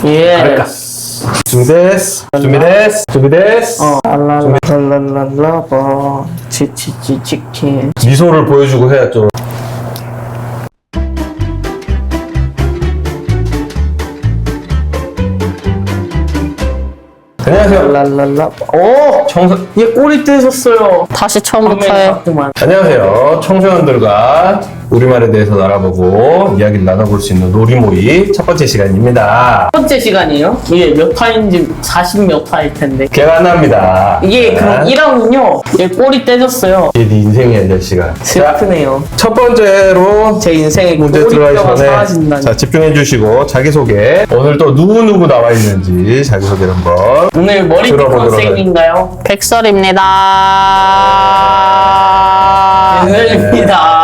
갈까? 준비됐어. 랄랄랄랄라 치치치치치. 미소를 보여주고 해야 좀. 안녕하세요. 랄랄라. 오! 얘 꼬리 떼셨어요. 다시 처음부터 해. 안녕하세요. 청소년들과 우리말에 대해서 알아보고 이야기를 나눠볼 수 있는 놀이모의 첫 번째 시간입니다. 첫 번째 시간이에요? 이게 몇 화인지 40 몇 화일 텐데. 기억 안 납니다. 이게 그럼 1화군요. 얘 꼬리 떼졌어요. 이게 네 인생이야, 이 자식아. 슬프네요. 첫 번째로 제 인생에 문제 들어가기 꼬리뼈가 전에 사라진다니. 자, 집중해 주시고 자기소개, 오늘 또 누구 나와 있는지 자기소개를 한번 오늘 머리 들어보도록 컨셉인가요? 백설입니다. 오늘입니다.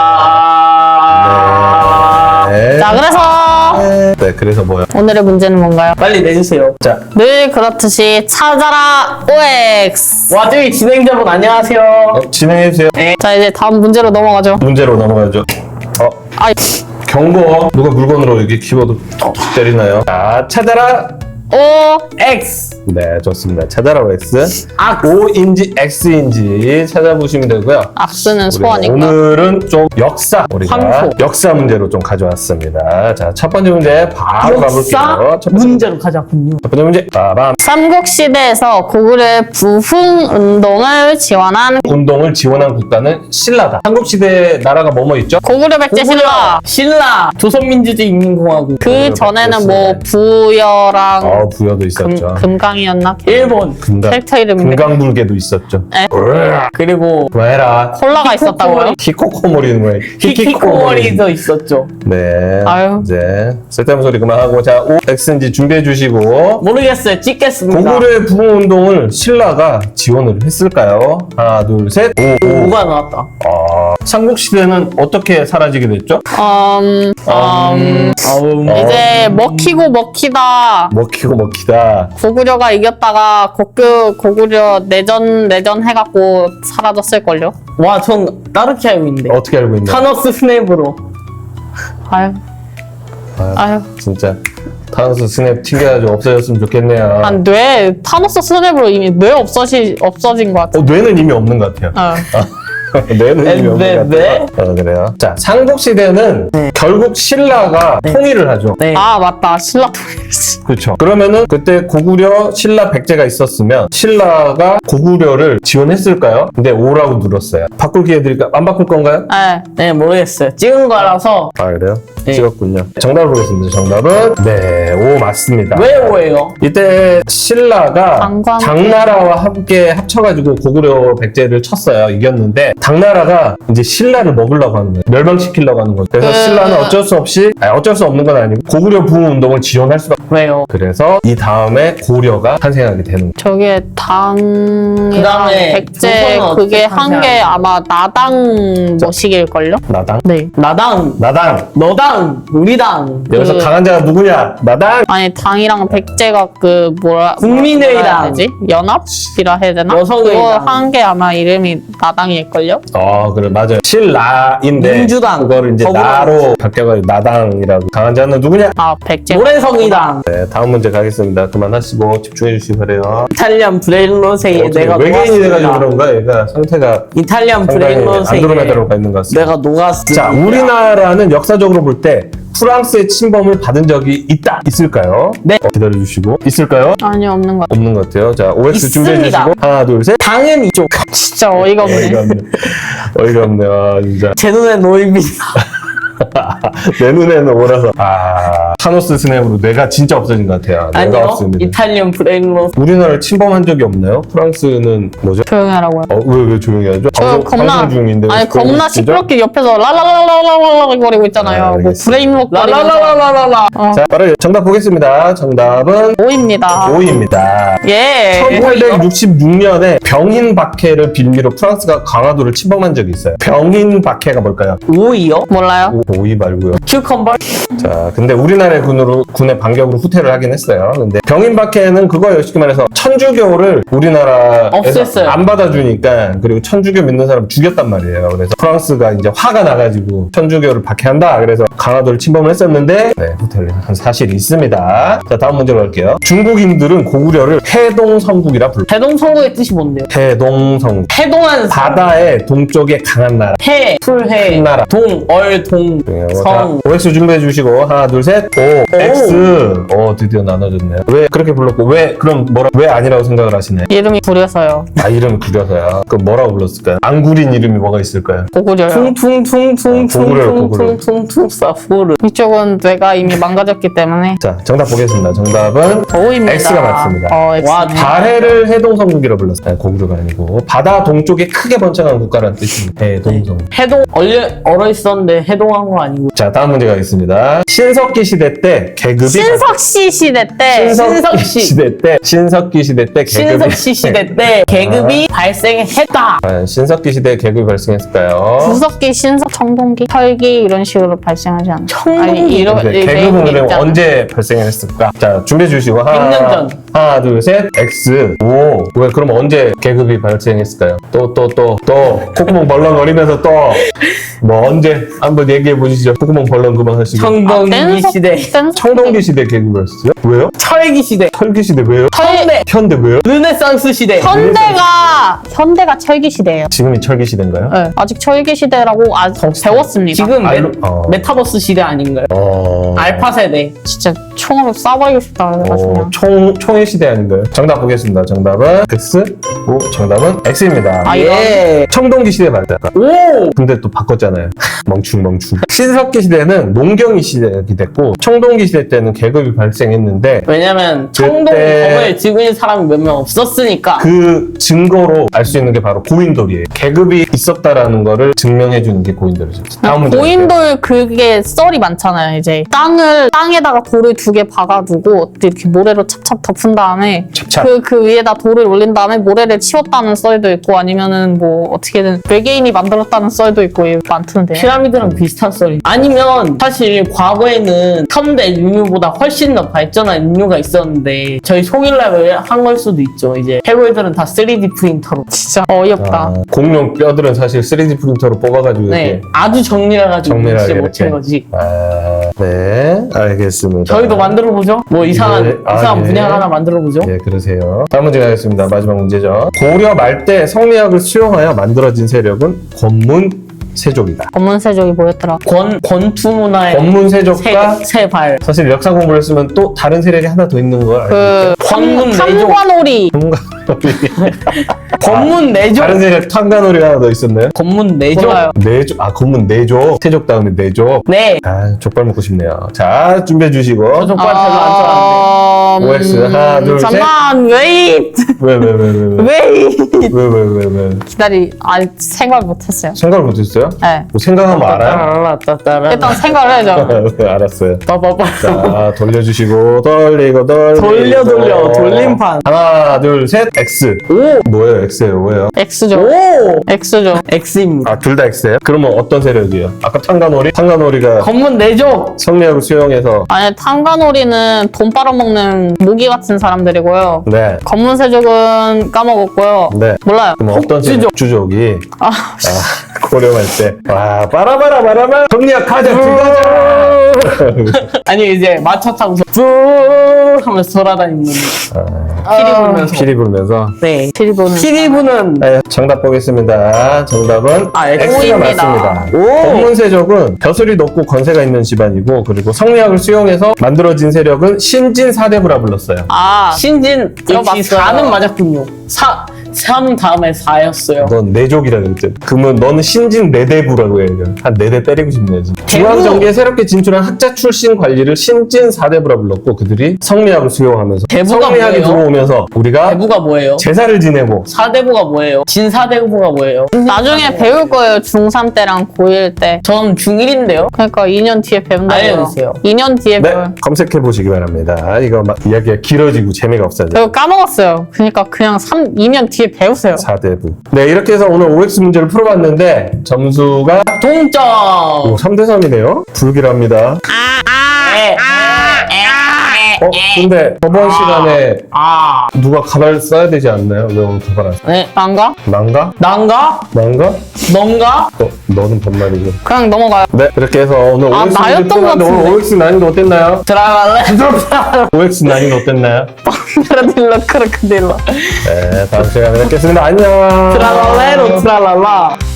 네. 자, 그래서 네, 그래서 뭐요? 오늘의 문제는 뭔가요? 빨리 내주세요. 자, 늘 그렇듯이 찾아라 OX. 와, 저기 진행자분 안녕하세요. 진행해 주세요. 자, 이제 다음 문제로 넘어가죠. 문제로 넘어가죠. 아이, 경고. 누가 물건으로 이렇게 키보드 툭툭 때리나요? 자, 찾아라. O. X. 네, 좋습니다. 찾아라 X. 악. O인지 X인지 찾아보시면 되고요. 악스는 우리 소원인가? 오늘은 좀 우리가 황소. 역사 문제로 좀 가져왔습니다. 자, 첫 번째 문제 바로 역사 가볼게요. 첫 번째 문제로 가자군요. 첫 번째 문제. 빠밤. 삼국시대에서 고구려의 부흥운동을 지원한 운동을 지원한 국가는 신라다. 한국시대 나라가 뭐뭐 있죠? 고구려 백제 신라. 신라. 조선민주주의 인민공화국. 그 전에는 뭐 부여랑 부여도 있었죠. 금강이었나? 일본. 캐릭터 이름인데. 금강불개도 있었죠. 네. 그리고 그만해라. 콜라가 있었다고요? 히코코모리는 왜? 히키코모리도 있었죠. 네. 아유. 이제 쓸데없는 소리 그만하고 자, OX인지 준비해 주시고 모르겠어요. 찍겠습니다. 고구려의 부흥운동을 신라가 지원을 했을까요? 하나, 둘, 셋. 오. 뭐가 나왔다. 삼국시대는 어떻게 사라지게 됐죠? 이제 먹히고 먹히다 먹히다. 고구려가 이겼다가 고구려 내전 해갖고 사라졌을걸요? 와, 전 따르게 알고 있는데. 어떻게 알고 있나요? 타노스 스냅으로. 아유. 진짜 타노스 스냅 튕겨가지고 없어졌으면 좋겠네요. 타노스 스냅으로 이미 뇌 없어진 것 같아. 뇌는 이미 없는 것 같아요. 뇌는 이미 없는 것 같아요. 그래요. 자, 삼국시대는 결국 신라가 통일을 하죠. 네. 아, 맞다. 신라 통일했지. 그렇죠. 그러면은 그때 고구려, 신라, 백제가 있었으면 신라가 고구려를 지원했을까요? 근데 O라고 눌렀어요. 바꿀 기회 드릴까요? 안 바꿀 건가요? 네. 네, 모르겠어요. 찍은 거라서. 아, 그래요? 네. 찍었군요. 정답을 보겠습니다. 정답은 네, O 맞습니다. 왜 오예요? 이때 신라가 장광. 당나라와 함께 합쳐가지고 고구려, 백제를 쳤어요. 이겼는데 당나라가 이제 신라를 먹으려고 하는 거예요. 멸망시키려고 하는 거예요. 그래서 신라는 어쩔 수 없는 건 아니고 고구려 부흥운동을 지원할 수밖에. 왜요? 그래서 이 다음에 고려가 탄생하게 되는 거예요. 저게 당이랑 그다음에 백제 조선은 그게 어떻게 한 게 아마 나당 뭐식일걸요? 나당? 네. 나당, 너당, 우리당. 여기서 강한 자가 누구냐? 나당! 아니 당이랑 백제가 국민의당. 뭐라 해야 되지? 연합이라 해야 되나? 여성의당. 그거 한 게 아마 이름이 나당일걸요? 그래, 맞아요. 신라인데 민주당. 그거를 이제 더불어. 나로 바뀌어가지고 나당이라고. 강한 자는 누구냐? 아 백제. 모래성이당. 네, 다음 문제 가겠습니다. 그만하시고 집중해 주시기 바래요. 이탈리안 브레일로세에 어떻게 내가 외계인이 돼가지고 녹았습니다. 그런가? 얘가 상태가 이탈리안 상당히 브레일로세에 안드로메다로 가 있는 것 같습니다. 내가 녹았습니다. 자, 우리나라는 역사적으로 볼 때 프랑스의 침범을 받은 적이 있을까요? 네. 기다려주시고. 있을까요? 아니 없는 것 같아. 없는 것 같아요. 자, OX 준비해 있습니다. 주시고. 하나, 둘, 셋. 당연히 좀 진짜 어이가 없네. 어이가 없네. 아, 진짜. 제 눈에 놓입니다. 내 눈에는 오라서. 타노스 스냅으로 뇌가 진짜 없어진 것 같아요. 뇌가 아니요. 없습니다. 이탈리안 브레일로세. 우리나라를 침범한 적이 없나요? 프랑스는 뭐죠? 조용히 하라고요. 왜 조용히 하죠? 저 겁나 중인데. 아니 겁나 시끄럽게 옆에서 랄랄랄랄랄랄 거리고 있잖아요. 뭐 알겠습니다. 브레인록 거리면서 라라라라라라. 자, 바로 정답 보겠습니다. 정답은 5입니다. 5입니다. 예. 1866년에 병인박해를 빌미로 프랑스가 강화도를 침범한 적이 있어요. 병인박해가 뭘까요? 오이요? 몰라요? 오이 말고요. 큐컴버? 자, 근데 우리나라 옛날에 군의 반격으로 후퇴를 하긴 했어요. 근데 병인박해는 그거예요. 쉽게 말해서 천주교를 우리나라에서 없앴어요. 안 받아주니까, 그리고 천주교 믿는 사람 죽였단 말이에요. 그래서 프랑스가 이제 화가 나가지고 천주교를 박해한다. 그래서 강화도를 침범을 했었는데 네, 후퇴를 한 사실이 있습니다. 자, 다음 문제로 갈게요. 중국인들은 고구려를 해동성국이라 불러요. 해동성국의 뜻이 뭔데요? 해동성국. 해동한 바다의 동쪽에 강한 나라. 해, 풀해, 큰 나라. 동, 얼, 동, 성. 자, OX 준비해 주시고 하나 둘 셋. O X. 드디어 나눠졌네요. 왜 그렇게 불렀고 왜 아니라고 생각을 하시나요? 이름이 구려서요. 아, 이름 구려서요. 그럼 뭐라고 불렀을까요? 안 구린 이름이 뭐가 있을까요? 고구려요. 퉁퉁퉁퉁퉁퉁퉁퉁퉁 사후르. 이쪽은 뇌가 이미 망가졌기 때문에 자, 정답 보겠습니다. 정답은 O입니다. X가 맞습니다. X. 와, 발해를 해동성국이라고 불렀어요. 고구려가 아니고 바다 동쪽에 크게 번창한 국가라는 뜻입니다. 해동성국. 해동, 얼어 있었는데 해동한 거 아니고. 자, 다음 문제가 있습니다. 신석기 시대 때 계급이 신석씨 시대 때 신석기 시대 때 계급이 신석시 시대 때 계급이 발생했다. 신석기 시대에 계급이 발생했을까요? 구석기, 신석, 청동기, 철기 이런 식으로 발생하지 않나? 청동기? 네, 계급은 그러면 언제 발생했을까? 자, 준비해 주시고 100년 전. 하나, 둘, 셋. X. 오. 왜 그럼 언제 계급이 발생했을까요? 또 콧구멍 벌렁거리면서 또 뭐 언제 한번 얘기해 보시죠. 콧구멍 벌렁 그만하시고. 청동기 시대, 청동기 시대 계급이 발생했어요? 왜요? 철기 시대, 철기 시대 왜요? 현대, 현대 왜요? 르네상스 시대. 현대가 철기 시대예요. 지금이 철기 시대인가요? 네, 아직 철기 시대라고 배웠습니다. 지금 어. 메타버스 시대 아닌가요? 알파 세대. 진짜 총으로 쏴버리고 싶다 그래가지고. 총의 시대 아닌가요? 정답 보겠습니다. 정답은 X. 오, 정답은 X입니다. 아, 예. 청동기 시대 말다. 오! 근데 또 바꿨잖아요. 멍충. 신석기 시대는 농경이 시대가 됐고, 청동기 시대 때는 계급이 발생했는데, 왜냐면 청동 그때- 검을 지고 있는 사람이 몇 명 없었으니까. 그 증거로 알 수 있는 게 바로 고인돌이에요. 계급이 있었다라는 거를 증명해주는 게 고인돌이죠. 다음 문제. 고인돌 그게 썰이 많잖아요. 이제 땅에다가 돌을 2개 박아두고 이렇게 모래로 찹찹 덮은 다음에 찹찹. 그 위에다 돌을 올린 다음에 모래를 치웠다는 썰도 있고 아니면은 뭐 어떻게든 외계인이 만들었다는 썰도 있고 많던데. 피라미드랑 비슷한 썰이. 아니면 사실 과거에는 현대 인류보다 훨씬 더 발전한 인류가 있었는데 저희 송일락을 한 걸 수도 있죠. 이제 해골들은 다 3D 프린터로. 진짜 어이없다. 공룡 뼈들은 사실 3D 프린터로 뽑아가지고 네, 이렇게. 아주 정밀해가지고 정밀하게 진짜 이렇게. 못한 거지. 네, 알겠습니다. 저희도 만들어 보죠. 뭐 이상한 예. 분양 하나 만들어 보죠. 예, 그러세요. 다음 문제 가겠습니다. 마지막 문제죠. 고려 말때 성리학을 수용하여 만들어진 세력은 권문세족이다. 검은세족이 뭐였더라? 권투 문화의 권문세족과 세발. 사실 역사 공부를 했으면 또 다른 세력이 하나 더 있는 걸 알고 권문 내족. 탐관오리. 권문 내족. 다른 세력 탄간오리가 하나 더 있었나요? 권문 내족. 몰라요. 내족, 권문 내족. 세족 다음에 내족. 네. 족발 먹고 싶네요. 자, 준비해 주시고. 저 족발 별로 안 좋아하는데. OX 하나, 둘, 셋. 잠깐 웨이트. 왜? 웨이트. 왜? 생각 못했어요. 생각을 못했어요? 네. 뭐 생각하면 알아요? 일단 생각을 해야죠. 알았어요. 빠빠빠. 자, 돌려주시고, 돌리고. 돌려, 돌림판. 하나, 둘, 셋, X. 오! 뭐예요, X예요, 뭐예요? X죠. 오! X죠. X입니다. 둘 다 X예요? 그러면 어떤 세력이에요? 아까 탄간오리? 탄간오리가 권문 내족. 성리학을 수용해서, 아니 탐관오리는 돈 빨아먹는 모기 같은 사람들이고요. 네. 검은세족은 까먹었고요. 네. 몰라요. 그럼 어떤 세력? 주족이. 고려할 때. 와, 빠라바라. 성리학 가자, 아니 이제 마차 타고서 뿌 하면서 돌아다니는 피리 불면서. 피리 불면서. 네. 피리보는 피리 부는 네, 정답 보겠습니다. 정답은 X가 X입니다. 맞습니다. 권문세족은 벼슬이 높고 건세가 있는 집안이고, 그리고 성리학을 수용해서 만들어진 세력은 신진 사대부라 불렀어요. 신진 역시 들어봤어요. 4는 맞았군요. 3 다음에 4였어요. 넌 내족이라 그랬지. 그러면 너는 신진 내대부라고 해야죠. 한 4대 때리고 싶네. 중앙정계에 새롭게 진출한 학자 출신 관리를 신진 사대부라 불렀고, 그들이 성리학을 수용하면서 대부가 성리학이 뭐예요? 들어오면서 우리가 대부가 뭐예요? 제사를 지내고 4대부가 뭐예요? 진사대부가 뭐예요? 나중에 배울 거예요. 중3 때랑 고1 때. 전 중1인데요. 그러니까 2년 뒤에 배운다고요. 알려주세요. 2년 뒤에 네, 배워요. 검색해 보시기 바랍니다. 이거 막 이야기가 길어지고 재미가 없어요. 저 까먹었어요. 그러니까 그냥 2년 뒤에 배우세요. 4대부. 네, 이렇게 해서 오늘 OX 문제를 풀어봤는데 점수가 동점. 3대 3이네요. 불길합니다. 네. 근데 저번 시간에 아, 누가 가발 써야 되지 않나요? 왜 오늘 가발 안 써? 네. 난가? 난가? 난가? 난가? 넌가? 너는 반말이고. 그냥 넘어가요. 네, 이렇게 해서 오늘 아, OX 나였던 것 오늘 같은데. OX 난이도 어땠나요? 들어갈래? OX 난이도 어땠나요? 크로딜러 크로딜러 네, 다음 시간에 뵙겠습니다. 안녕. 트랄랄레로 트랄랄라